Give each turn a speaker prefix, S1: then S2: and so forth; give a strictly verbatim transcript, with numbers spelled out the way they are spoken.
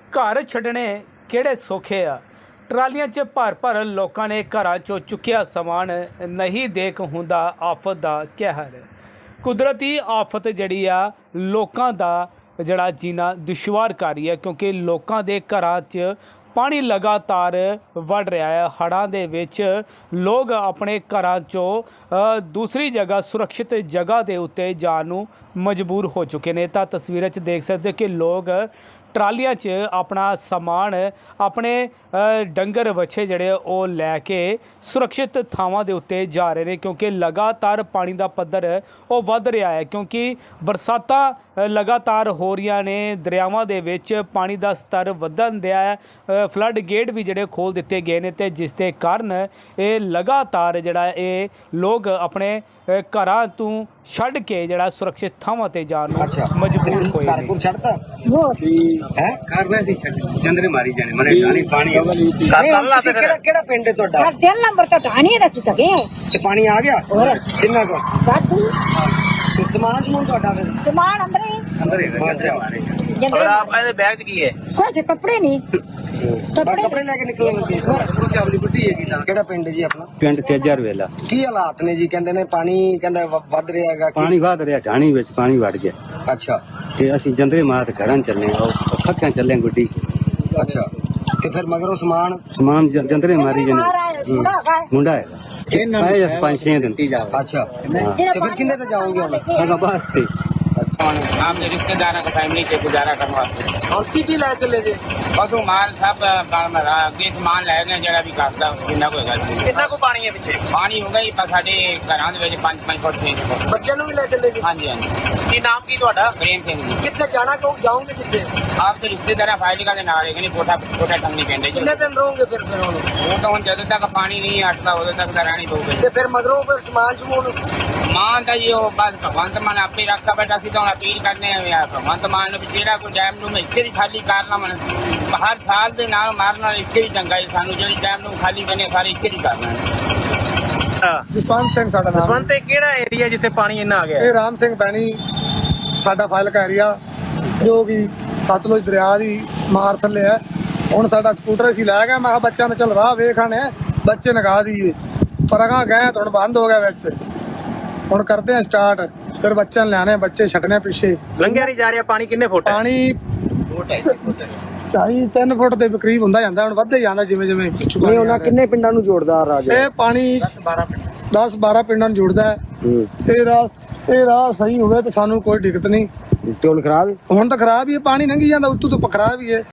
S1: घर छड्डने किहड़े सौखे आ। ट्रालियां च भर भर लोकां ने घरां चों चुक्किया समान नहीं देख हुंदा आफत दा कहर। कुदरती आफत जिहड़ी आ लोकां दा जिहड़ा जीना दुश्वार कर रही है, क्योंकि लोकां दे घरां च पानी लगातार वड़ रहा है। हड़ां दे विच लोग अपने घरां चों दूसरी जगह सुरक्षित जगह के उत्ते जाण नूं मजबूर हो चुके हैं। तां तस्वीरां च देख सकते हो कि लोग ट्रालियां च अपना समान अपने डंगर बच्छे जड़े वो लैके सुरक्षित थावां दे उत्ते जा रहे हैं, क्योंकि लगातार पानी का पद्धर वो वध रहा है। क्योंकि बरसातां लगातार हो रही ने, दरियावां दे विच पानी का स्तर वधन रहा है। फ्लड गेट भी जड़े खोल दिते गए हैं, तो जिस दे कारण ये लगातार जड़ा ये लोग अपने घरां तू छड्ड के जड़ा सुरक्षित थावां ते जाण नूं मजबूर होए ने।
S2: है घर वैसे ही जंदरे मारी जाने मने ढाणी पानी केड़ा केड़ा पिंड है ਤੁਹਾਡਾ
S3: हर दिल नंबर तो ढाणी है रसी तके
S2: ते पानी आ गया
S3: और
S2: कितना को
S3: बातू
S2: ते सामान समून ਤੁਹਾਡਾ फिर
S3: सामान अंदर ही
S2: अंदर ही जंदरे मारे
S3: जंदरे
S4: और आप ऐसे बैग च की है
S3: कुछ कपड़े नहीं
S2: कपड़े कपड़े लेके निकले लगे ਉਹ ਤੇ ਆਪਣੀ ਬੁੱਢੀ ਹੈਗੀ ਤਾਂ ਕਿਹੜਾ ਪਿੰਡ ਜੀ ਆਪਣਾ
S5: ਪਿੰਡ ਤੇਜਰ ਵੇਲਾ।
S2: ਕੀ ਹਾਲਾਤ ਨੇ ਜੀ ਕਹਿੰਦੇ ਨੇ ਪਾਣੀ ਕਹਿੰਦਾ ਵੱਧ ਰਿਹਾ ਹੈਗਾ ਕੀ-
S5: ਪਾਣੀ ਵਧ ਰਿਹਾ, ਢਾਣੀ ਵਿੱਚ ਪਾਣੀ ਵੜ ਗਿਆ
S2: ਅੱਛਾ
S5: ਤੇ ਅਸੀਂ ਜੰਦਰੇ ਮਾਰ ਘਰਾਂ ਚੱਲੇ ਉਹ ਖੱਕਿਆਂ ਚੱਲੇ ਗੁੱਡੀ
S2: ਅੱਛਾ ਤੇ ਫਿਰ ਮਗਰੋਂ ਸਮਾਨ
S5: ਸਮਾਨ ਜ- ਜੰਦਰੇ ਮਾਰੀ ਜਨੇ ਮੁੰਡਾ ਹੈ ਇਹ ਪੰਜ ਛੇ ਦਿਨ
S2: ਅੱਛਾ ਤੇ ਫਿਰ ਕਿੰਨੇ ਤੇ ਜਾਓਗੇ ਹੁਣ
S5: ਹੈਗਾ ਬਸ ਤੇ
S4: हम रिश्तेदारों का फैमिली से गुजारा करने वास्ते
S2: ਹੁਣ ਕੀ ਕੀ ਲੈ ਚੱਲੇ ਜੀ
S4: पशु माल सब अगे समान लै गए जरा भी करता जिन्ना कोई गल नहीं।
S2: ਕਿੰਨਾ ਕੋ ਪਾਣੀ ਹੈ ਪਿੱਛੇ
S4: पानी हो गई पर साढ़े घरों के पांच पांच फुट छे फुट।
S2: ਬੱਚਿਆਂ ਨੂੰ ਵੀ ਲੈ ਚੱਲੇ ਜੀ
S4: हाँ जी हाँ जी।
S2: ਕੀ ਨਾਮ ਕੀ ਤੁਹਾਡਾ
S4: प्रेम सिंह जी
S2: ਕਿੱਥੇ ਜਾਣਾ ਕਹੋ ਜਾਓਗੇ ਕਿੱਥੇ
S4: आप तो रिश्तेदार फाइल का नाल है कोठा कोठा टंगनी पेंडे
S2: ਕਿੰਨੇ ਦਿਨ ਰਹੋਗੇ ਫਿਰ ਫਿਰ ਹੁਣ
S4: वो तो हम जदों तक पानी नहीं हटता उदों तक तो रहनी पऊगी।
S2: ਤੇ ਫਿਰ ਮਗਰੋਂ ਫਿਰ ਸਮਾਨ ਸਮੂਨ
S4: मान तो जी वो बस भगवंत मान आपे रखा बैठा सी तो अपील करने भगवंत मान भी जेड़ा कोई डैम नूं इक्के ही खाली करना मन हर साल दे नाल मारन नाल इक्के ही चंगा है सानू जेड़ी डैम नूं खाली करने सारे इक्के ही करना है।
S2: ਜਸਵੰਤ ਸਿੰਘ ਸਾਡਾ ਨਾਮ
S6: ਜਸਵੰਤ ਇਹ ਕਿਹੜਾ ਏਰੀਆ ਜਿੱਥੇ ਪਾਣੀ ਇੰਨਾ ਆ ਗਿਆ
S2: ਇਹ ਰਾਮ ਸਿੰਘ ਬੈਣੀ ਸਾਡਾ ਫਾਈਲ ਕਾ ਏਰੀਆ ਜੋ ਵੀ ਸਤਲੁਜ ਦਰਿਆ ਦੀ ਮਾਰ ਥੱਲੇ ਹੈ। ਹੁਣ ਸਾਡਾ ਸਕੂਟਰ ਅਸੀਂ ਲੈ ਗਏ, ਮੈਂ ਕਿਹਾ ਬੱਚਿਆਂ ਨੂੰ ਚੱਲ ਰਾਹ ਵੇਖਣੇ ਬੱਚੇ ਨਗਾ ਦਈਏ, ਪਰ ਅਗਾਂ ਗਏ ਤਾਂ ਹੁਣ ਬੰਦ ਹੋ ਗਿਆ ਵਿੱਚ। ਹੁਣ ਕਰਦੇ ਆ ਸਟਾਰਟ, ਫਿਰ ਬੱਚਿਆਂ ਨੂੰ ਲਿਆਣੇ, ਬੱਚੇ ਛੱਡਣੇ ਪਿੱਛੇ।
S6: ਲੰਘਿਆ ਨਹੀਂ ਜਾ ਰਿਹਾ ਪਾਣੀ ਕਿੰਨੇ ਫੁੱਟ ਹੈ?
S2: ਪਾਣੀ ਢਾਈ ਤਿੰਨ ਫੁੱਟ ਦੇ ਕਰੀਬ ਹੁੰਦਾ ਜਾਂਦਾ, ਹੁਣ ਵੱਧਦੇ ਜਾਂਦਾ ਜਿਵੇਂ ਜਿਵੇਂ।
S5: ਨਹੀਂ ਉਹਨਾਂ ਕਿੰਨੇ ਪਿੰਡਾਂ ਨੂੰ ਜੋੜਦਾ ਰਾਜ
S2: ਇਹ ਪਾਣੀ ਦਸ ਬਾਰਾਂ ਪਿੰਡਾਂ ਨੂੰ ਜੁੜਦਾ ਹੈ। ਇਹ ਰਾਹ ਇਹ ਰਾਹ ਸਹੀ ਹੋਵੇ ਤਾਂ ਸਾਨੂੰ ਕੋਈ ਦਿੱਕਤ ਨਹੀਂ।
S5: ਚੋਣ ਖਰਾਬ
S2: ਹੁਣ ਤਾਂ ਖਰਾਬ ਹੀ ਹੈ, ਪਾਣੀ ਲੰਘੀ ਜਾਂਦਾ ਉੱਤੋਂ ਤੋਂ ਖਰਾਬ ਹੀ ਹੈ।